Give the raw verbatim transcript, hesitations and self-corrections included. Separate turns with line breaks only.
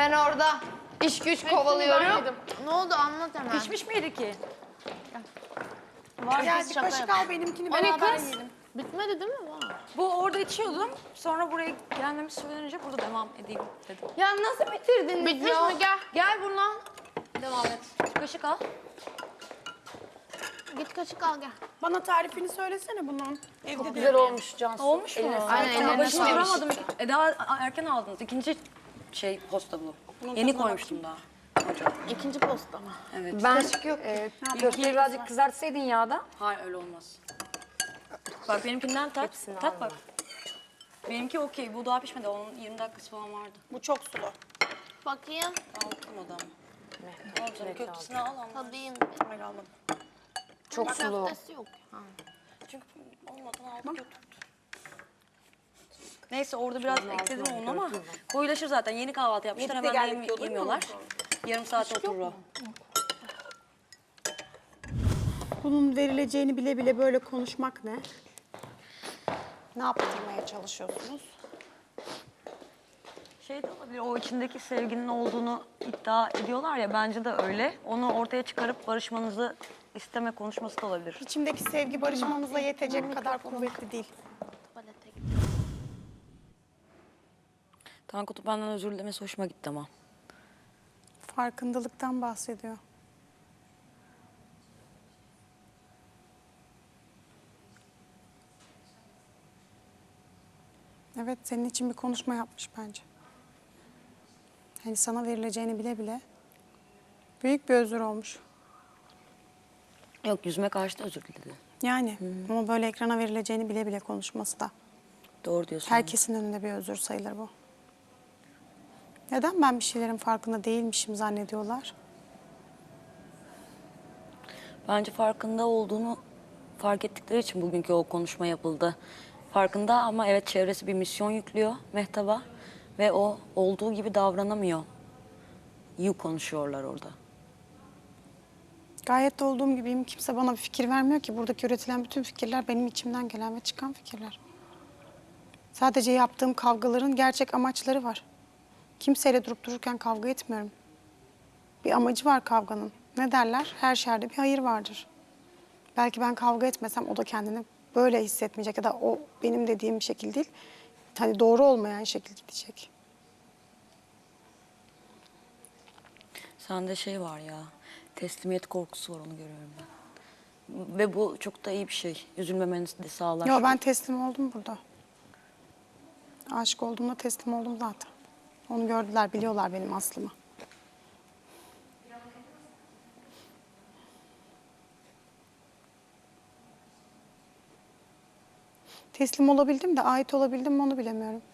Ben orada iş güç kovalıyorum.
Ne oldu anlat hemen.
Pişmiş miydi ki?
Var
Birazcık kaşık al benimkini
O ne
beraber
kız?
yiyelim.
Bitmedi değil mi? Var.
Bu orada içiyordum. Sonra buraya gelmemi söylenince burada devam edeyim dedim.
Ya nasıl bitirdiniz
Bitmiş
ya?
mi? Gel. Gel buradan. Devam et.
Kaşık al.
Git kaşık al gel.
Bana tarifini söylesene bunun. Evde de
Güzel olmuş Cansu.
Olmuş mu?
Aynen,
Ama
ellerine
başını
sağlık.
duramadım. E daha erken aldınız. İkinci şey posta bu. Yeni koymuştum daha.
İkinci posta mı?
Evet.
Ben
e, köfteyi birazcık kızartsaydın yağda.
Hayır öyle olmaz. Bak benimkinden tat. Tat bak. Benimki okey. Bu daha pişmedi. Onun yirmi dakikası falan vardı.
Bu çok sulu.
Bakayım.
Aldım adamı. Tamam canım köftesini al ama.
Tadayım.
Hayır almadım.
çok sulu.
Köftesi yok. Ha.
Çünkü olmadan aldım götürdüm. Neyse orada biraz ekledim onu ama koyulaşır zaten. Yeni kahvaltı yapmışlar.
Yedide
Hemen de
geldik
yem-
diyordun ya
yemiyorlar. Yarım saat oturur o.
Bunun verileceğini bile bile böyle konuşmak ne? Ne yaptırmaya çalışıyorsunuz?
Şey de olabilir, o içindeki sevginin olduğunu iddia ediyorlar ya, bence de öyle. Onu ortaya çıkarıp barışmanızı isteme konuşması da olabilir.
İçimdeki sevgi barışmamıza yetecek kadar kuvvetli değil.
Tuvalete git.
Tankut'un benden özür dilemesi hoşuma gitti ama.
Farkındalıktan bahsediyor. Evet, senin için bir konuşma yapmış bence. Hani sana verileceğini bile bile büyük bir özür olmuş.
Yok, yüzüme karşı da özür diledi.
Yani ama böyle ekrana verileceğini bile bile konuşması da
Doğru diyorsun.
herkesin önünde bir özür sayılır bu. Neden ben bir şeylerin farkında değilmişim zannediyorlar?
Bence farkında olduğunu fark ettikleri için bugünkü o konuşma yapıldı. Farkında ama evet, çevresi bir misyon yüklüyor Mehtap'a ve o olduğu gibi davranamıyor. İyi konuşuyorlar orada.
Gayet de olduğum gibiyim. Kimse bana bir fikir vermiyor ki. Buradaki üretilen bütün fikirler benim içimden gelen ve çıkan fikirler. Sadece yaptığım kavgaların gerçek amaçları var. Kimseyle durup dururken kavga etmiyorum. Bir amacı var kavganın. Ne derler? Her şerde bir hayır vardır. Belki ben kavga etmesem o da kendini böyle hissetmeyecek ya da o benim dediğim şekil değil. Hani doğru olmayan şekil gidecek.
Sende şey var ya, teslimiyet korkusu var, onu görüyorum ben. Ve bu çok da iyi bir şey. Üzülmemenizi de sağlar.
Yo, ben teslim oldum burada. Aşık olduğumda teslim oldum zaten. Onu gördüler, biliyorlar benim aslımı. Teslim olabildim de ait olabildim mi onu bilemiyorum.